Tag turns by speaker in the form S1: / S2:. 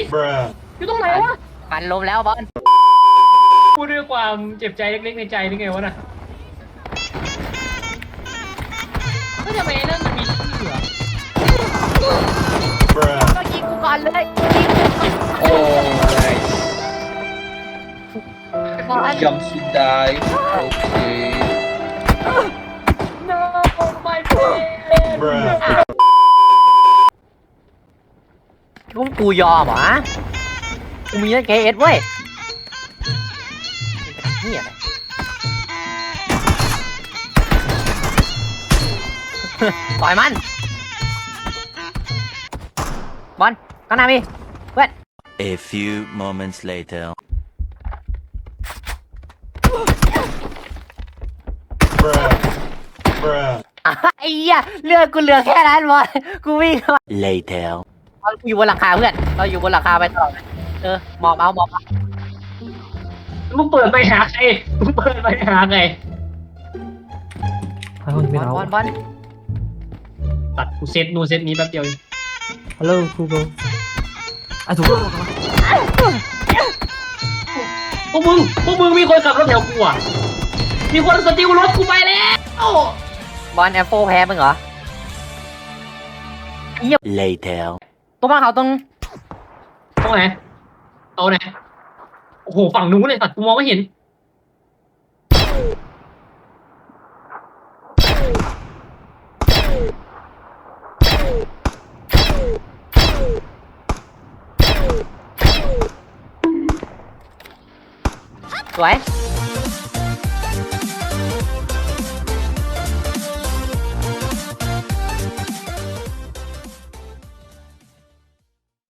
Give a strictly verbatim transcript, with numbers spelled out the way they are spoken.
S1: อยู่ตรงไหนวะ
S2: ปันลมแล้วบอล
S1: พูดด้วยความเจ็บใจเล็กๆในใจนี่ไงวะน่ะก็ทำไมนั่นมันมีชื่ออะ
S2: ก็ยิงกูก่อนเลยยิง
S3: โอ้ย
S2: บอล
S3: ยอมสุดได้โอเค
S1: no my friend
S2: กูกูยอมเหรอกูมีนั่นเคเอสเว้ยนี่อะไรต่อยมันบอลข้างหน้ามีเพื่อน
S4: A few moments later.
S2: ไอ้เหี้ยเลือดกูเหลือแค่นั้นบอลกูวิ่งมา
S4: Later.
S2: เราอยู่บนหลังคาเพื่อนเราอยู่บนหลังคาไปตลอดเออมอบเอามอบเอา
S1: มึงเปิดไปหาใครมึงเปิดไปหาใคร
S2: บอลบอลบอล
S1: ตัดกูเซตนู่นเซตนี้แป๊บเดียว
S5: ฮัลโหลครูโบอ่ะถูกแล้ว
S1: พวกมึงพวกมึงมีคนขับรถแถวกูอ่ะมีคนสติลรถกูไปแล้ว
S2: บอลแอปโฟแพ้มึงเหรอ
S4: Later.
S2: ตรงบ้านเขาตรง
S1: ตรงไหนเอาไหนโอ้โหฝั่งนู้นเลยตัดกูมองไม่เห็น
S2: สวย